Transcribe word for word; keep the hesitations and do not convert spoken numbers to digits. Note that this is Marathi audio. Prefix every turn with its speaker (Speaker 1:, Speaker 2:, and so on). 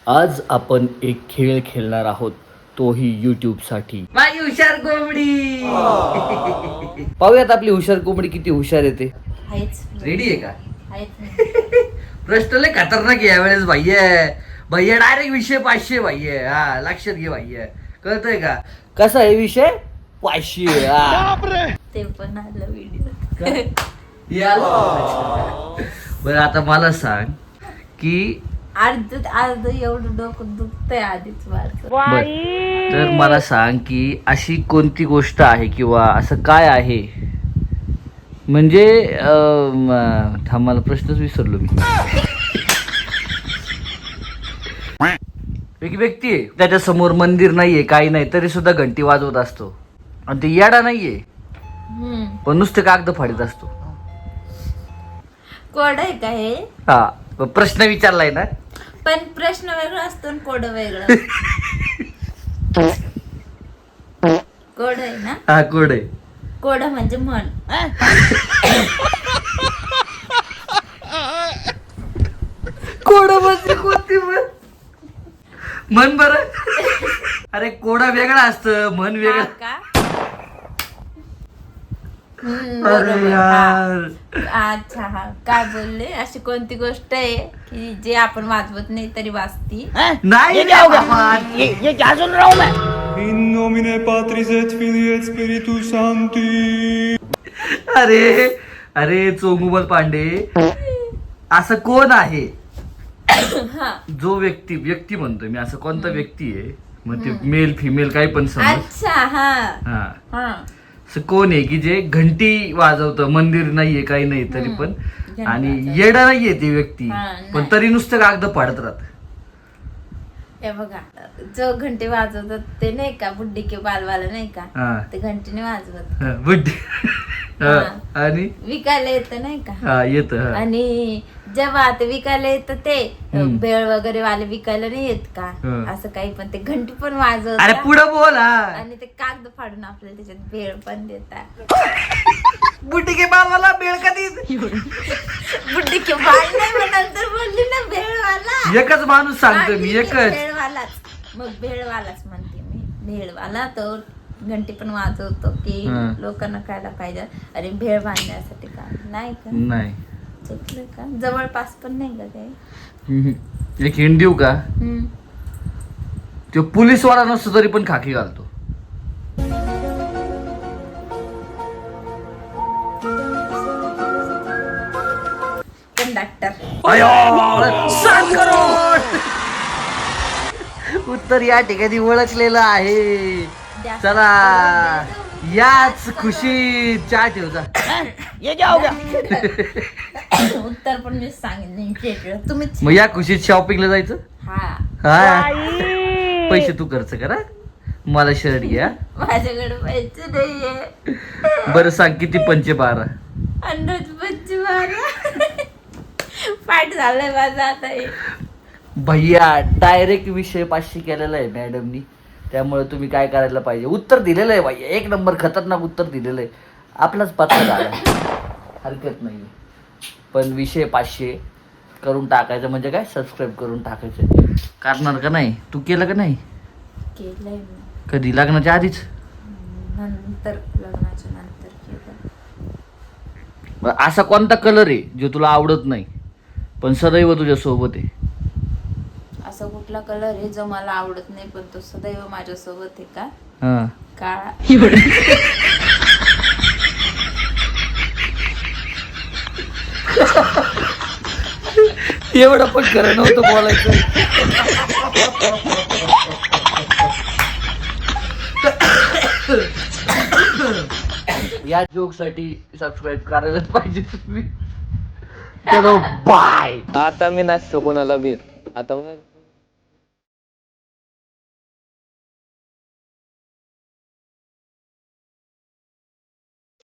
Speaker 1: आज आपण एक खेळ खेळणार आहोत, तोही यूट्यूब साठी. माझी हुशार कोंबडी. पाहूयात आपली हुशार कोंबडी किती हुशार येते. रेडी आहे का? प्रश्न लय खतरनाक आहे यावेळेस भैया. भैया डायरेक्ट विषय पाचशे भैया. हा लक्षात घे भैया. कळतंय का कसा आहे विषय? पाचशे.
Speaker 2: ते पण आलं व्हिडिओ.
Speaker 1: बरं आता मला सांग की
Speaker 2: अर्ध अर्ध एवढं डोकं दुखतंय आधीच माझं.
Speaker 1: बर तर मला सांग की अशी कोणती गोष्ट आहे किंवा असं काय आहे म्हणजे अं, थांब मला प्रश्नच विसरलो मी. एक व्यक्ती आहे त्याच्या समोर मंदिर नाहीये काही नाही तरी सुद्धा घंटी वाजवत असतो आणि ते येडा नाहीये पण नुसते कागद फाडीत असतो.
Speaker 2: कोड आहे का हे?
Speaker 1: हा प्रश्न विचारलाय ना
Speaker 2: पण प्रश्न वेगळा असतो आणि कोड वेगळं. कोड आहे ना?
Speaker 1: हा कोड आहे.
Speaker 2: कोड म्हणजे म्हण.
Speaker 1: कोड म्हणजे कोणती म्हण? म्हण बर. अरे कोडा वेगळा असतं म्हण
Speaker 2: हा
Speaker 1: वेगळा.
Speaker 2: का? हम्म,
Speaker 1: अरे
Speaker 2: बरोबर.
Speaker 1: यार.
Speaker 2: हा. अच्छा हा काय बोलले? अशी कोणती गोष्ट आहे की जे आपण वाजवत नाही तरी वाजती?
Speaker 1: नाही
Speaker 3: ये क्या सुन रहा हूँ मैं?
Speaker 4: In nomine Patris et Filii et Spiritus Sancti.
Speaker 1: अरे अरे चोंगुमल पांडे असं कोण आहे जो व्यक्ती व्यक्ती म्हणतोय मी असं कोणता व्यक्ती आहे मग ते मेल फिमेल काही पण समज.
Speaker 2: अच्छा हा
Speaker 1: हा
Speaker 2: हा
Speaker 1: असं कोण आहे की जे घंटी वाजवतं मंदिर नाहीये काही नाही तरी पण
Speaker 2: घंटी
Speaker 1: आणि
Speaker 2: वाजवतं.
Speaker 1: येडा नाहीये ती व्यक्ती
Speaker 2: हा,
Speaker 1: पण
Speaker 2: नाही.
Speaker 1: तरी नुसतं कागद फाडत राहत.
Speaker 2: हे बघा जो घंटी वाजवतात ते नाही का बुड्डी के बालवाला नाही का
Speaker 1: हा
Speaker 2: ते घंटीने वाजवत
Speaker 1: हा, बुड्डी. हा,
Speaker 2: हा.
Speaker 1: आणि
Speaker 2: विकायला येतं नाही का
Speaker 1: हा येत हा
Speaker 2: आणि जेव्हा ते विकायला येतं ते
Speaker 1: हम्म.
Speaker 2: भेळ वगैरे वाले विकायला नाही येत का
Speaker 1: हा.
Speaker 2: असं काही पण ते घंटी पण
Speaker 1: अरे
Speaker 2: वाजवतात
Speaker 1: पुढं बोल. हा
Speaker 2: आणि ते कागद फाडून आपल्याला त्याच्यात भेळ पण देतात.
Speaker 1: बुड्डी के बालवाला बेळ कधी.
Speaker 2: बुड्डी के बाल नाही मग नंतर बोलली ना भेळवाला.
Speaker 1: एकच माणूस सांगतो मी एकच.
Speaker 2: भेळवालाच मग भेळवालाच म्हणते मी भेळवाला तो घंटी पण वाजवतो की
Speaker 1: हा.
Speaker 2: लोकांना खायला पाहिजे. अरे भेळ बांधण्यासाठी का नाही का
Speaker 1: नाही
Speaker 2: चुकलं का? जवळपास पण नाही का काही?
Speaker 1: हम्म. एक हिंड देऊ का?
Speaker 2: हम्म.
Speaker 1: तो पोलीसवाला नसतो तरी पण खाकी घालतो.
Speaker 2: कंडक्टर.
Speaker 1: सात करोड उत्तर या ठिकाणी ओळखलेलं आहे.
Speaker 2: द्या.
Speaker 1: चला याच खुशी चहा ठेवचा.
Speaker 3: ये क्या हो गया?
Speaker 2: उत्तर पण मी सांगितलं तुम्हीच.
Speaker 1: मग या खुशीत शॉपिंगला जायचं.
Speaker 2: हा
Speaker 1: हा पैसे तू खर्च करा मला शर्ट घ्या.
Speaker 2: माझ्याकडे पैसे नाहीये.
Speaker 1: बरं सांग किती पंचे बारा.
Speaker 2: अंदाज पंचे बारा. पाठ झालंय माझं आता हे.
Speaker 1: भैया डायरेक्ट विषय पाचशे केलेला आहे मॅडमनी त्यामुळे तुम्ही काय करायला पाहिजे उत्तर दिलेलं आहे भैया एक नंबर खतरनाक उत्तर दिलेलं आहे. आपलाच पत्ता झाला हरकत नाही पण विषय पाचशे करून टाकायचं म्हणजे काय सबस्क्राईब करून टाकायचं. करणार का नाही तू केलं का नाही?
Speaker 2: केलंय मी
Speaker 1: कधी लग्नाच्या आधीच?
Speaker 2: नंतर लग्नाच्या नंतर केलं.
Speaker 1: मग असा कोणता कलर आहे जो तुला आवडत नाही पण सदैव तुझ्या सोबत आहे?
Speaker 2: असा कुठला कलर आहे जो मला आवडत नाही पण तो सदैव माझ्या सोबत आहे का?
Speaker 1: हा
Speaker 2: काळा.
Speaker 1: एवढं पण खरं नव्हतं बोलायचं. या जोक साठी सबस्क्राईब करायलाच पाहिजे तुम्ही. चलो बाय.
Speaker 5: आता मी नसतो कोणाला बीर आता